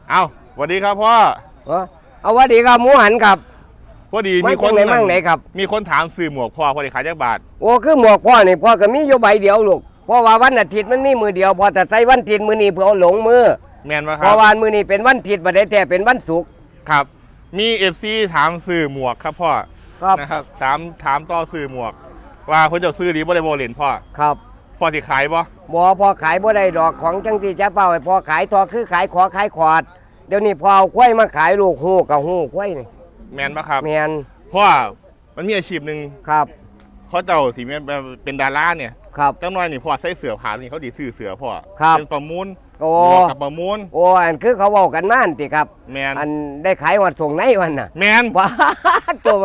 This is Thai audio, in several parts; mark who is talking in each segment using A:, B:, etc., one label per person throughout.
A: เอาสวัสดีครับพ่อ
B: เอาสวัสดีครับหมูหันครับ
A: พอดีมีคน
B: ไหนครับ
A: มีคนถามซื้อหมวกพ่อพอดีขายจักบาท
B: โอ้คือหมวกพ่อนี่พ่อก็มีอยู่ใบเดียวลูกเพราะว่าวันอาทิตย์มันมีมือเดียวพอแต่ใส่วันอาทิตย์มือนี้เพื่อเอาหลงมือ
A: แม่นว่าครั
B: เพราะวันมือนี้เป็นวันอาทิตย์บัดได้แต่เป็นวันศุกร์
A: ครับมีFCถามซื้อหมวกครับพ่อ
B: ครับ
A: นะครับถามต่อซื้อหมวกว่าคนจะซื้อดีบ่ได้บ่เล่นพ่อ
B: ครับ
A: พ่อสิขายบ่
B: พอขายบ่ได้ดอกของจังที่จะเป้าให้พอขายทอคือขายขายขอดเดี๋ยวนี้พอเอาควายมาขายลูกหูกับหูควายนี่
A: แม่นบ่ครับ
B: แม่น
A: พ่อมันมีอาชีพนึง
B: ครับ
A: เขาเจ้าสิเป็นดาราเนี่ย
B: ครับ
A: จังน้อยนี่พ่อใส่เสื้อผ้านี่เขาดีซื้อเสื้อพ่อเป็นประมูล
B: โอ้
A: กับประมูล
B: โอ้อันคือเขาเว้ากันนั่นติครับ
A: แม่น
B: อันได้ขายวันส่งไหนวันน่ะ
A: แม่น
B: ว้าตัว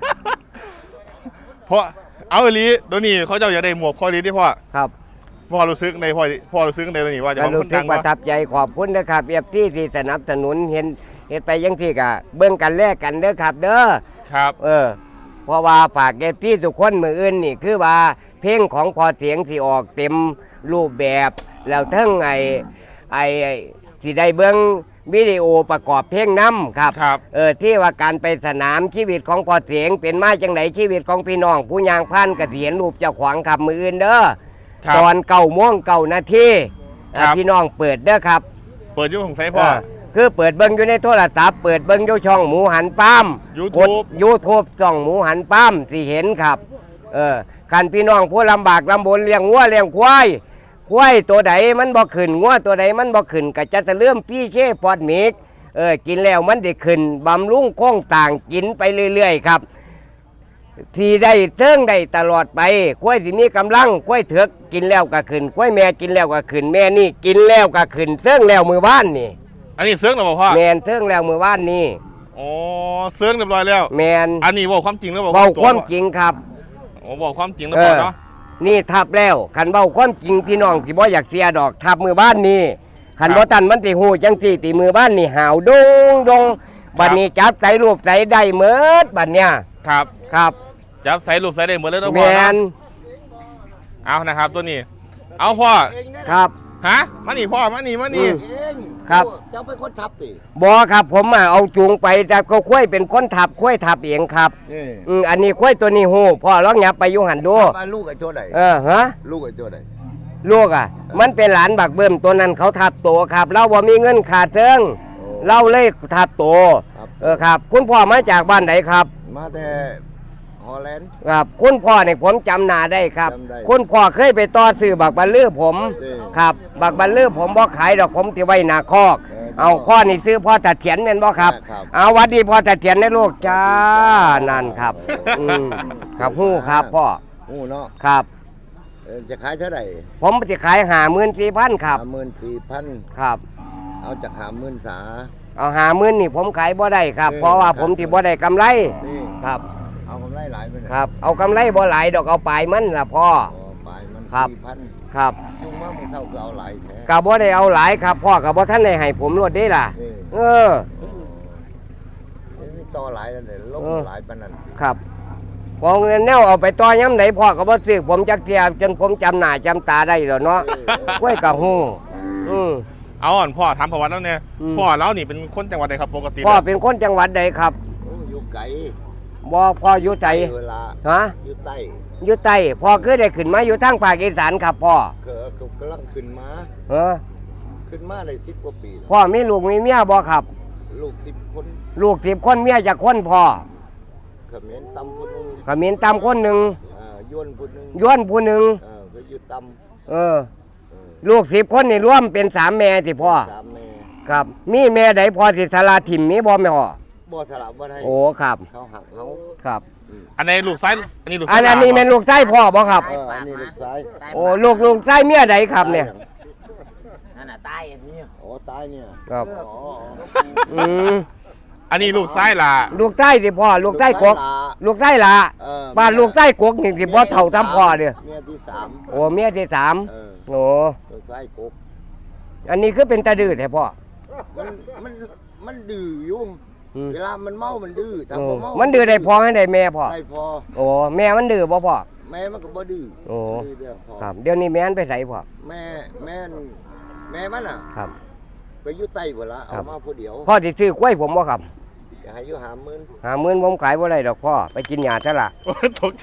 A: เพราะเอาอีหลีตัวนี้เขาเจ้าอยากได้หมวกพ่อลีที่พ่อ
B: ครับ
A: พ่อรู้สึกในพ่อรู้สึกในตัวนี้ว่าจะ
B: รู้สึกประทับใจขอบคุณนะครับเอฟที่สนับสนุนเห็นไปยังที่กะเบิ่งกันแลกกันเด้อครับเด้อ
A: ครับ
B: เพราะว่าฝากเอฟที่ทุกคนมืออื่นนี่คือว่าเพลงของพอเสียงที่ออกเต็มรูปแบบแล้วทั้งไอ้ที่ได้เบิ่งวิดีโอประกอบเพลงน้ำครับที่ว่าการไปสนามชีวิตของพอเสียงเป็นมาจังไหนชีวิตของพี่น้องผู้ยางพันกระเถียนรูปเจ้าขวางขับมืออื่นเด้อตอน9:09 น.พี่น้องเปิดเด้อครับ
A: เปิดยุ่งของไซพ่อ
B: คือเปิดเบิ้งอยู่ในโทรศัพท์เปิดเบิ้งอยู่ช่องหมูหันป้ามYouTube ช่องหมูหันป้ามสิเห็นครับคันพี่น้องผู้ลำบากลำบนเลี้ยงวัวเลี้ยงควายตัวใดมันบ่ขึ้นงัวตัวใดมันบ่ขึ้นก็จะเริ่มพี่เช่ปอดมิกกินแล้วมันได้ขึ้นบำรุงโค้งต่างกินไปเรื่อยๆครับที่ได้เทิงได้ตลอดไปกล้วยสิมีกำลังกล้วยเถือกกินแล้วก็ขึ้นกล้วยแม่กินแล้วก็ขึ้นแม่นี่กินแล้วก็ขึ้นเทิงแล้วมือบ้านนี่
A: อันนี้เสื้อหรือเปล่าพ่อ
B: แมนเทิงแล้วมือบ้านนี่
A: อ๋อเสื้อเรียบร้อยแล้ว
B: แมน
A: อันนี้บอกความจริงแล้ว
B: บอกความจริงครับ
A: บอกความจริงแล้วพ่อเนาะ
B: นี่ทับแล้วขันเบาความจริงพี่น้องที่บ่อยากเสียดอกทับมือบ้านนี่ขันบ่ตันมันติหูจังสี่ตีมือบ้านนี่หาวดงบัดนี้จับใส่รูปใส่ได้เมิดบัดเนี้ยครับ
A: จับใส่รูปใส่ได้หมดเลยนะพ่อนะเอานะครับตัวนี้เอาพ่อ
B: ครับ
A: ฮะมานี่พ่อมานี่
B: ครับ
C: เจ้าเป็นคนทับติ
B: บอครับผมเอาจูงไปแต่เขาคุ้ยเป็นคนทับคุ้ยทับเองครับอันนี้คุ้ยตัวนี้หูพ่อลองยับไปยุหันดู
C: ลูกไอ้ตัวไหน
B: ฮะ
C: ลูกไอ้ตัวไหน
B: ลูกมันเป็นหลานบักเบิ่มตัวนั้นเขาทับโตครับเราบ่มีเงินขาดเทิงเราเลยทับโตครับคุณพ่อมาจากบ้านไหนครับ
C: มาแต่ฮอลแลนด์
B: ครับคุณพ่อเนี่ยผมจำหน้าได้ครับคุณพ่อเคยไปต่อซื้อบักบัลลือผมครับบักบัลลือผมบ่ขายดอกผมที่ไว้หน้าคอกเอาข้อนี่ซื้อพ่อตัดเถียนเป็นบ่ครับเอาวัดดีพ่อตัดเถียนในลูกจ้านั่นครับครับฮู้ครับพ่อ
C: ฮู้เนาะ
B: ครับ
C: จะขายเท่าไหร่
B: ผมจะขาย54,000ครับ
C: 54,000
B: ครับ
C: เอาจาก50,000สา
B: เอา50,000นี่ผมขายบ่ได้ครับเพราะว่าผมที่บ่ได้กำไรครับ
C: เอากำไรหลายไป
B: ครับเอากำไรบ่หลายดอกเอาปลายมันล่ะพ่อ
C: ปลายมัน
B: 4,000ครับ
C: จุงมาเมื่อเช้าก็เอาหลายแท้
B: ก็บ่ได้เอาหลายครับพ่อก็บ่ทันได้ให้ผมรวดได้ล่ะ
C: มีต่อหลายแล้วเนี่ยลงหลายปานนั้น
B: ครับพอเงินแนวเอาไปต่อย้ำไหนพ่อก็บ่ซื้อผมจักเทียจนผมจำหน้าจำตาได้แล้วเนาะกล้วยกับฮู้
A: เอาอ่อนพ่อถามประวัติแล้วเนี่ยพ่อแล้วนี่เป็นคนจังหวัดใดครับปกติ
B: พ่อเป็นคนจังหวัดใดครับ
C: อยู่ไกล
B: บ่พ่ออยู่ใจฮะอยู่ใต้พ่อคือได้ขึ้นมาอยู่ทางภาคอีสานครับพ่
C: อกำลังขึ้นมาขึ้นมาได้10 กว่าปี
B: พ่อมีลูกมีเมียบ่ครับ
C: ลูก10 คน
B: ลูก10 คนเมียจักคนพ่อ
C: เขมรตำคนนึง
B: คนหนึ่ง
C: ย้วนผู้ห
B: นึ่ง
C: ก็อยู่ต
B: ำลูก10 คนนี่รวมเป็น3 แม่ที่พ่อ
C: 3 แม่
B: ครับมีแม่ใดพอสิสละถิ่มมีบ่แม่พ่อ
C: บ่สลับบ่ได้
B: โอ้ครับ
C: เขาหักเขา
B: ครับ
A: อันนี้ลูกซ้ายอันนี้ลูก
B: อันนี้เป็นลูกไส้พ่อบ่ครับ
C: อันนี้ลูกซ้าย
B: โอ้ลูกไส้เมียใดครับเนี่ย
C: นั่นน่ะตายอันนี้โอ้ตายเนี่ย
B: ครับ
A: อันนี้ลูกซ้ายล่ะ
B: ลูกไส้สิพ่อลูกไส้กกลูกไส้ล่ะบ้านลูกไส้กกนี่สิบ่เท่าทำพ่อเด้อ
C: เมียที่3
B: โอ้เมียที่3โอ้
C: ลูกไส้กก
B: อันนี้คือเป็นตาดื้อแท้พ่อ
C: มันดื้ออยู่เวลามันเมามันดื้อถ้าบ่เมา
B: มันดื้อได้พอให้ได้แม่พ่อ
C: ได้พอ
B: โอ้แม่มันดื้อบ่พ่อ
C: แม่มันก็บ่ดื้อ
B: โอ้ครับเดี๋ยวนี้แม่นไปไสพ่อ
C: แม่มันน่ะ
B: ครับ
C: ไปก็อยู่ใต้บ่ละเอามาผู้เดียว
B: พ่อสิซื้อกล้วยผมบ่ครับ
C: อย่าให้อยู่50,000
B: 50,000ผมขายบ่ได้ดอกพ่อไปกินหญ้าซะละ
A: โอ้ยตกใจ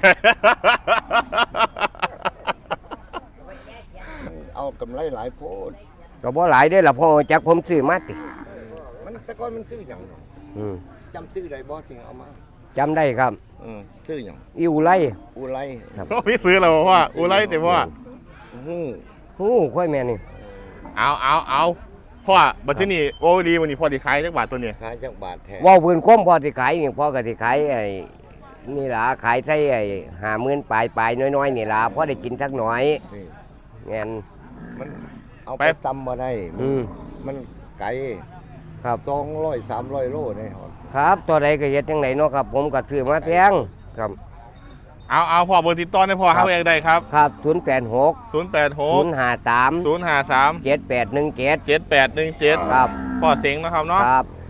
C: มันเอากำไรหลายโพด
B: ก็บ่หลายเด้อล่ะพ่อจักผมซื้อมาติ
C: มันแต่ก่อนมันซื้อหยัง
B: อืม
C: จำซื้อได้บ่ถึงเอามา
B: จำได้ครับ
C: ซื้อหยัง
B: อิวไล
C: อุไร
A: พี่ซื้อแล้วว่าอูไรแต่ว่า
C: ฮู้
B: ฮู้ค่อยแม่นี่
A: เอาพ่อบัตรที่นี่โอ้ดีวันนี้พ่อที่ขายจักบาทตัวนี้
C: ขายจักบาทแท้
B: เว้าพื้นคมพ่อสิขายนี่พ่อก็สิขายไอ้นี่ล่ะขายใส่ไอ้50,000ปลายๆน้อยๆนี่ล่ะพอได้กินสักหน่อย
C: นี่
B: แม่น
C: มันเอาไปตำบ่ได้ มันไกล
B: ครับ
C: 200 300โลนี่ครับ
B: ครับตัวใดก็เฮ็ดจังไดเนาะครับผมก็ซื้อมาแพงครับ
A: เอาพ่อเบอร์ติดต่อให้พ่อ
B: ครั
A: หา
B: บ
A: เองได้ครับ
B: ครับ086
A: 086
B: 053
A: 053
B: 7817
A: 7817
B: ครับ
A: พ่อเสียงนะครับเนาะ
B: ครับ